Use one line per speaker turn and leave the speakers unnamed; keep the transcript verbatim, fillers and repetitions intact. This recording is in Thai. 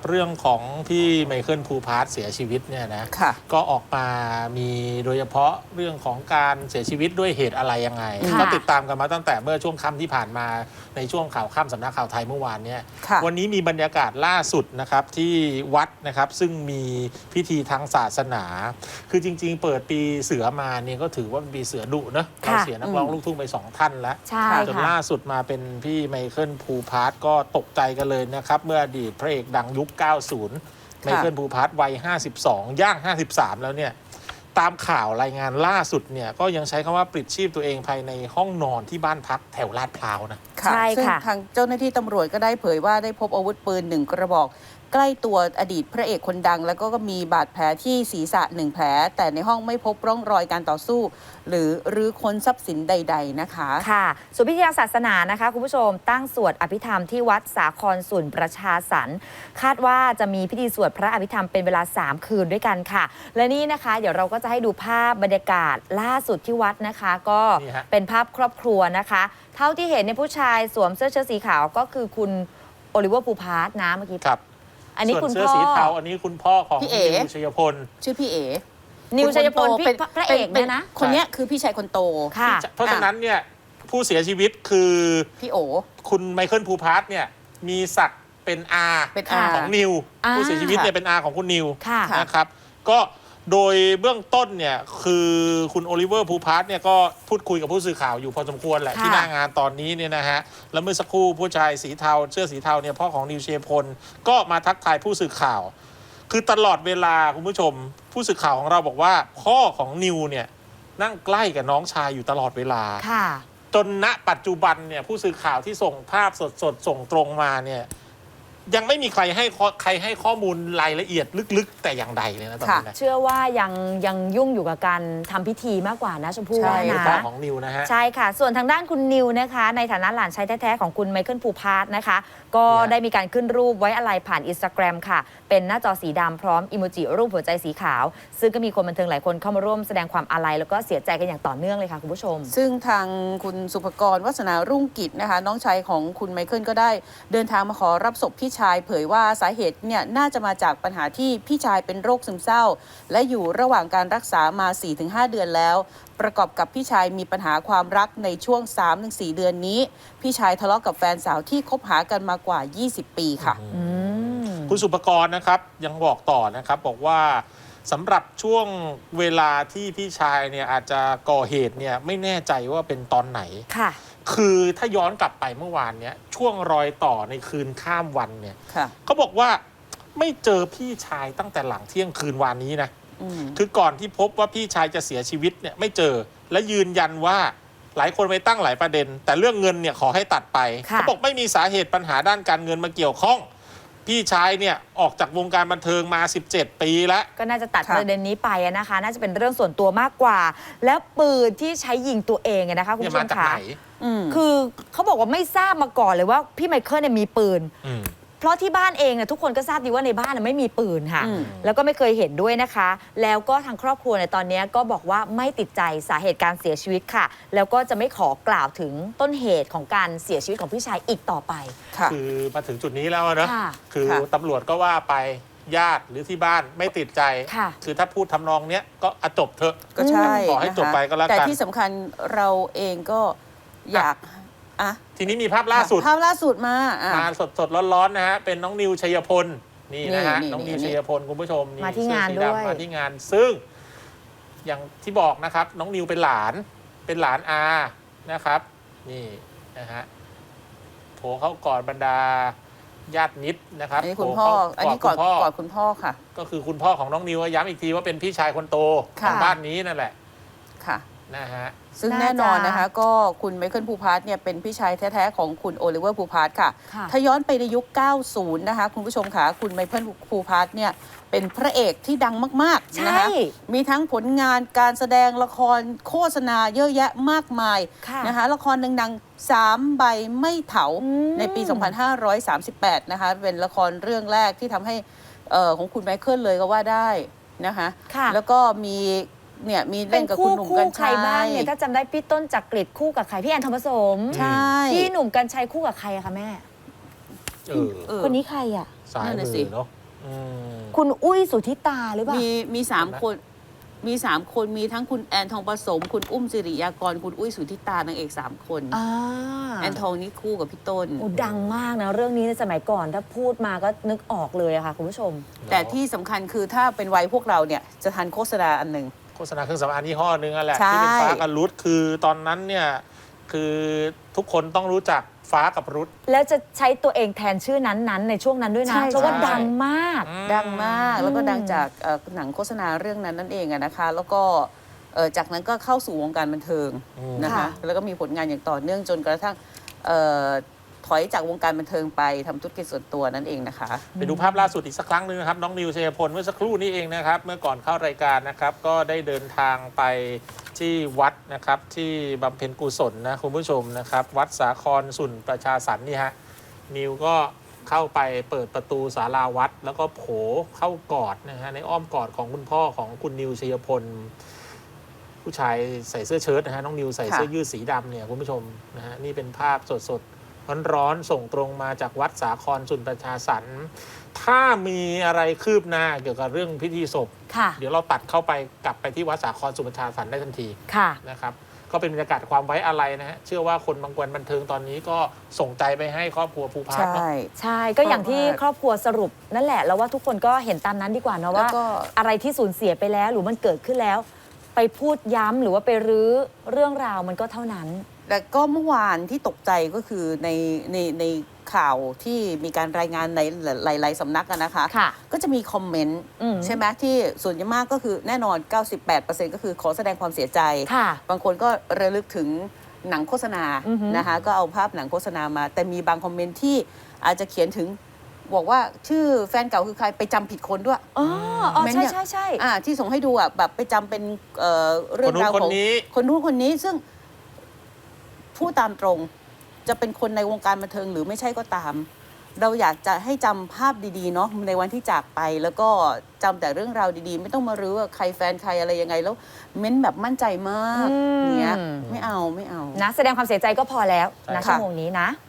เรื่องของพี่ไมเคิลภูพาร์ทเสียชีวิตเนี่ยนะก็ออกมามีโดยเฉพาะเรื่องของการเสียชีวิตด้วยเหตุอะไรยังไงก็ติดตามกันมาตั้งแต่เมื่อช่วงค่ำที่ผ่านมาในช่วงข่าวค่ำสำนักข่าวไทยเมื่อวานเนี่ยวันนี้มีบรรยากาศล่าสุดนะครับที่วัดนะครับซึ่งมีพิธีทางศาสนาคือจริงๆเปิดปีเสือมาเนี่ยก็ถือว่าเป็นปีเสือดุนะเราเสียนักร้องลูกทุ่งไปสองท่านแล้วจนล่าสุดมาเป็นพี่ไมเคิลภูพาร์ทก็ตกใจกันเลยนะครับเมื่ออดีตพระเอกดังยุค เก้าสิบ ไมเคิลภูพาร์ทวัยห้าสิบสองย่างห้าสิบสามแล้วเนี่ยตามข่าวรายงานล่าสุดเนี่ยก็ยังใช้คำว่าปลิดชีพตัวเองภายในห้องนอนที่บ้านพักแถวลาดพร้าวนะ
ใช่ค่ะซึ่งทางเจ้าหน้าที่ตำรวจก็ได้เผยว่าได้พบอาวุธปืนหนึ่งกระบอกใกล้ตัวอดีตพระเอกคนดังแล้วก็มีบาดแผลที่ศีรษะหนึ่งแผลแต่ในห้องไม่พบร่องรอยการต่อสู้หรือรื้อค้นทรัพย์สินใดๆนะคะ
ค่ะส่วนพิธีทางศาสนานะคะคุณผู้ชมตั้งสวดอภิธรรมที่วัดสาครสุนประชาสรรค์คาดว่าจะมีพิธีสวดพระอภิธรรมเป็นเวลาสามคืนด้วยกันค่ะและนี่นะคะเดี๋ยวเราก็จะให้ดูภาพบรรยากาศล่าสุดที่วัดนะคะก็เป็นภาพครอบครัวนะคะเท่าที่เห็นในผู้ชายสวมเสื้อเชิ้ตสีขาวก็คือคุณโอลิเวอร์ภูพาร์ทนะเมื่อกี้
อันนี้คุณพ่อเสื้อสีเทาอันนี้คุณพ่อของนิวชัยพล
ชื่อพี่เอ๋
นิวชัยพลเป็นพระเอกเนี่ยนะ
คนนี้คือพี่ชายคนโต
ค่ะเพราะฉะนั้นเนี่ยผู้เสียชีวิตคือ
พี่โอ
คุณไมเคิลภูพาร์ทเนี่ยมีศักดิ์เป็นอาของนิวผู้เสียชีวิตเนี่ยเป็นอาของคุณนิวนะครับก็โดยเบื้องต้นเนี่ยคือคุณโอลิเวอร์ภูพาร์ทเนี่ยก็พูดคุยกับผู้สื่อข่าวอยู่พอสมควรแหละที่หน้างานตอนนี้เนี่ยนะฮะแล้วเมื่อสักครู่ผู้ชายสีเทาเสื้อสีเทาเนี่ยพ่อของนิวเชยพลก็มาทักทายผู้สื่อข่าวคือตลอดเวลาคุณผู้ชมผู้สื่อข่าวของเราบอกว่าพ่อของนิวเนี่ยนั่งใกล้กับน้องชายอยู่ตลอดเวลาจนณปัจจุบันเนี่ยผู้สื่อข่าวที่ส่งภาพสดๆส่งตรงมาเนี่ยยังไม่มีใครให้ใครให้ข้อมูลรายละเอียดลึกๆแต่อย่างใดเลยนะตอนนี้นะ
เชื่อว่ายังยังยุ่งอยู่กับการทำพิธีมากกว่านะชมพู่ว่านะ
พ่อของนิวนะฮะ
ใช่ค่ะส่วนทางด้านคุณนิวนะคะในฐานะหลานชายแท้ๆของคุณไมเคิลภูพาร์ทนะคะก็ได้มีการขึ้นรูปไว้อะไรผ่านอินสตาแกรมค่ะเป็นหน้าจอสีดำพร้อมอิโมจิรูปหัวใจสีขาวซึ่งก็มีคนบันเทิงหลายคนเข้ามาร่วมแสดงความอาลัยแล้วก็เสียใจกันอย่างต่อเนื่องเลยค่ะคุณผู้ชม
ซึ่งทางคุณสุภกรวัฒนารุ่งกิจนะคะน้องชายของคุณไมเคิลก็ได้เดินทางมาขอรับศพพี่ชายเผยว่าสาเหตุเนี่ยน่าจะมาจากปัญหาที่พี่ชายเป็นโรคซึมเศร้าและอยู่ระหว่างการรักษามา สี่ถึงห้า เดือนแล้วประกอบกับพี่ชายมีปัญหาความรักในช่วง สามถึงสี่ เดือนนี้พี่ชายทะเลาะกับแฟนสาวที่คบหากันมากว่ายี่สิบปีค่ะ
คุณสุภกรนะครับยังบอกต่อนะครับบอกว่าสำหรับช่วงเวลาที่พี่ชายเนี่ยอาจจะก่อเหตุเนี่ยไม่แน่ใจว่าเป็นตอนไหน
ค่ะ
คือถ้าย้อนกลับไปเมื่อวานเนี้ยช่วงรอยต่อในคืนข้ามวันเนี่ยเขาบอกว่าไม่เจอพี่ชายตั้งแต่หลังเที่ยงคืนวานนี้นะคือก่อนที่พบว่าพี่ชายจะเสียชีวิตเนี่ยไม่เจอและยืนยันว่าหลายคนไปตั้งหลายประเด็นแต่เรื่องเงินเนี่ยขอให้ตัดไปเขาบอกไม่มีสาเหตุปัญหาด้านการเงินมาเกี่ยวข้องพี่ชายเนี่ยออกจากวงการบันเทิงมาสิบเจ็ดปีแล้ว
ก็น่าจะตัดประเด็นนี้ไปนะคะน่าจะเป็นเรื่องส่วนตัวมากกว่าแล้วปืนที่ใช้ยิงตัวเองนะคะคุณผู้ชมคะคือเขาบอกว่าไม่ทราบมาก่อนเลยว่าพี่ไมเคิลเนี่ยมีปืนเพราะที่บ้านเองเนี่ยทุกคนก็ทราบดีว่าในบ้านไม่มีปืนค่ะแล้วก็ไม่เคยเห็นด้วยนะคะแล้วก็ทางครอบครัวในตอนนี้ก็บอกว่าไม่ติดใจสาเหตุการเสียชีวิตค่ะแล้วก็จะไม่ขอกล่าวถึงต้นเหตุของการเสียชีวิตของพี่ชายอีกต่อไป
คือมาถึงจุดนี้แล้วนะคือตำรวจก็ว่าไปญาติหรือที่บ้านไม่ติดใจคือถ้าพูดทำนองเนี้ยก็จบเถอะ
ก็ใช่
ขอให้จบไปก็แล้วกัน
แต่ที่สำคัญเราเองก็อยาก
อ่ะทีนี้มีภาพล่าสุด
ภาพล่าสุดมา
มาสดสดร้อนๆนะฮะเป็นน้องนิวชัยพลนี่นะฮะน้องนิวชัยพลคุณผู้ชม
มาที่งานด้วย
มาที่งานซึ่งอย่างที่บอกนะครับน้องนิวเป็นหลานเป็นหลานอานะครับนี่นะฮะโผล่เข้ากอดบรรดาญาติมิตรนะครับ
อันนี้คุณพ่ออันนี้กอดกอดคุณพ่อค่ะ
ก็คือคุณพ่อของน้องนิวย้ำอีกทีว่าเป็นพี่ชายคนโตของบ้านนี้นั่นแหละ
ค่ะ
นะฮะ
ซึ่งแน่นอนนะคะก็คุณไมเคิลภูพาร์ทเนี่ยเป็นพี่ชายแท้ๆของคุณโอลิเวอร์ภูพาร์ทค่ะถ้าย้อนไปในยุค เก้าสิบ นะคะคุณผู้ชมค่ะคุณไมเคิลภูพาร์ทเนี่ยเป็นพระเอกที่ดังมากๆนะคะมีทั้งผลงานการแสดงละครโฆษณาเยอะแยะมากมายนะคะละครดังๆสามใบไม่เถาในปี สองพันห้าร้อยสามสิบแปด นะคะเป็นละครเรื่องแรกที่ทำให้ของคุณไมเคิลเลยก็ว่าได้นะคะแล้วก็มีเนี่ยมีเล่นกับคุณหนุ่มกัญชัย
บ้างเนี่ยถ้าจำได้พี่ต้นจักริดคู่กับใครพี่แอนทองผสม
ใช่
พี่หนุ่มกัญชัยคู่กับใครอะคะแม่คนนี้ใครอะ
สาย
นั่น
มื
น่ะสิ
อเนาะอืม
คุณอุ้ยสุทธิตาหรือเปล่า
มีมีสาม
เห็นไหม
คนมีสามคนมีทั้งคุณแอนทองผสม คุณอุ้มสิริยากร คุณอุ้ยสุทธิตานางเอกสามคน
อ่า
แอนทองนี่คู่กับพี่ต้น
โอ้ดังมากนะเรื่องนี้ในสมัยก่อนถ้าพูดมาก็นึกออกเลยอะค่ะคุณผู้ชม
แต่ที่สำคัญคือถ้าเป็นวัยพวกเราเนี่ยจะทันโฆษณาอันหนึ่ง
โฆษณาเครื่องสำอางยี่ห้อนึงอะแหละ
ใช่
ที่เป็นฟ้ากับรุดคือตอนนั้นเนี่ยคือทุกคนต้องรู้จักฟ้ากับรุด
แล้วจะใช้ตัวเองแทนชื่อนั้นๆ ในช่วงนั้นด้วยนะ
ใช่
เพราะว่า
ใช่
ดังมาก
ดังมากแล้วก็
อืม
ดังจากเอ่อหนังโฆษณาเรื่องนั้นนั่นเองอะนะคะ แล้วก็เอ่อจากนั้นก็เข้าสู่วงการบันเทิง
อืม
นะคะ
ค่ะ
แล้วก็มีผลงานอย่างต่อเนื่องจนกระทั่งเอ่อถอยจากวงการบันเทิงไปทำธุรกิจส่วนตัวนั่นเองนะคะ
ไปดูภาพล่าสุดอีกสักครั้งหนึ่งนะครับ น้องนิวชัยพลเมื่อสักครู่นี้เองนะครับ เมื่อก่อนเข้ารายการนะครับ ก็ได้เดินทางไปที่วัดนะครับที่บำเพ็ญกุศลนะคุณผู้ชมนะครับ วัดสาครสุนประชาสรรค์นี่ฮะนิวก็เข้าไปเปิดประตูศาลาวัด แล้วก็โผเข้ากอดนะฮะในอ้อมกอดของคุณพ่อของคุณนิวชัยพล ผู้ชายใส่เสื้อเชิ้ตนะฮะน้องนิวใส่เสื้อ
ค่ะ
ยืดสีดำเนี่ยคุณผู้ชมนะฮะนี่เป็นภาพสดๆร้อนๆส่งตรงมาจากวัดสาครสุนประชาสรรค์ถ้ามีอะไรคืบหน้าเกี่ยวกับเรื่องพิธีศพ
ค่ะ
เดี๋ยวเราตัดเข้าไปกลับไปที่วัดสาครสุนประชาสรรค์ได้ทันที
ค่ะ
นะครับก็เป็นบรรยากาศความไว้อะไรนะฮะเชื่อว่าคนบางคนบันเทิงตอนนี้ก็ส่งใจไปให้ครอบครัวภูพาร์ท
ใช่
เนาะ
ใช่ก็อย่างที่
เพราะว่า
ครอบครัวสรุปนั่นแหละแล้วว่าทุกคนก็เห็นตามนั้นดีกว่าเนอะ
แล้ว
ว่า
ก็
อะไรที่สูญเสียไปแล้วหรือมันเกิดขึ้นแล้ว ไปพูดย้ำหรือว่าไปรื้อเรื่องราวมันก็เท่านั้น
แต่ก็เมื่อวานที่ตกใจก็คือในในในข่าวที่มีการรายงานในหลายๆสำนักอะนะคะ
ค่ะ
ก็จะมีคอมเมนต์
อืม
ใช่ไหมที่ส่วนใหญ่มากก็คือแน่นอน เก้าสิบแปดเปอร์เซ็นต์ ก็คือขอแสดงความเสียใจ
ค่ะ
บางคนก็ระลึกถึงหนังโฆษณา
อือฮึ
นะคะก็เอาภาพหนังโฆษณามา แต่มีบางคอมเมนต์ที่อาจจะเขียนถึงบอกว่าชื่อแฟนเก่าคือใครไปจำผิดคนด้วย
อ๋ออ๋อ
เม้น
ใช่
เนี่ย
ใช่ใช่
อ่าที่ส่งให้ดูอ่ะแบบไปจำเป็นเอ่อเรื่องราว
คนนู้น
ของ
คนนี้
คนนู้นคนนี้ซึ่งพูดตามตรง จะเป็นคนในวงการบันเทิงหรือไม่ใช่ก็ตาม เราอยากจะให้จำภาพดีๆเนาะในวันที่จากไป แล้วก็จำแต่เรื่องราวดีๆ ไม่ต้องมารื้อว่าใครแฟนใครอะไรยังไง แล้วเม้นแบบมั่นใจมาก
อืม
เนี้ยไม่เอาไม่เอา
นะแสดงความเสียใจก็พอแล้วนะ
ใช่ค่ะ
ชั่วโมงนี้นะ